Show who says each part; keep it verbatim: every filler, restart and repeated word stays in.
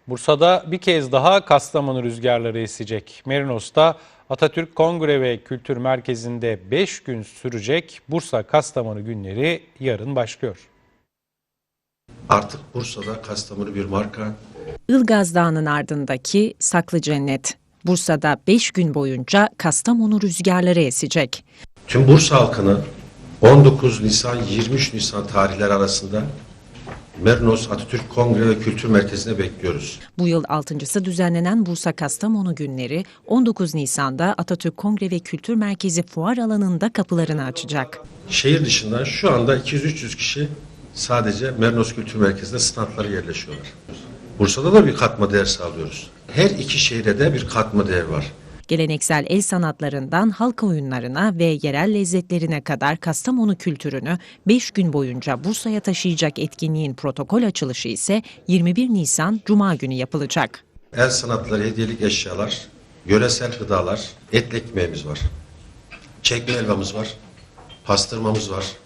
Speaker 1: Bursa'da bir kez daha Kastamonu rüzgarları esecek. Merinos'ta Atatürk Kongre ve Kültür Merkezi'nde beş gün sürecek Bursa-Kastamonu günleri yarın başlıyor.
Speaker 2: Artık Bursa'da Kastamonu bir marka.
Speaker 3: Ilgaz Dağı'nın ardındaki Saklı Cennet. Bursa'da beş gün boyunca Kastamonu rüzgarları esecek.
Speaker 2: Tüm Bursa halkını on dokuz Nisan yirmi üç Nisan tarihleri arasında Merinos Atatürk Kongre ve Kültür Merkezi'ne bekliyoruz.
Speaker 3: Bu yıl altıncısı düzenlenen Bursa-Kastamonu günleri on dokuz Nisan'da Atatürk Kongre ve Kültür Merkezi fuar alanında kapılarını açacak.
Speaker 2: Şehir dışından şu anda iki yüz üç yüz kişi sadece Merinos Kültür Merkezi'nde standlara yerleşiyorlar. Bursa'da da bir katma değer sağlıyoruz. Her iki şehre de bir katma değer var.
Speaker 3: Geleneksel el sanatlarından halk oyunlarına ve yerel lezzetlerine kadar Kastamonu kültürünü beş gün boyunca Bursa'ya taşıyacak etkinliğin protokol açılışı ise yirmi bir Nisan Cuma günü yapılacak.
Speaker 2: El sanatları, hediyelik eşyalar, yöresel gıdalar, etli ekmeğimiz var. Çekme helvamız var, pastırmamız var.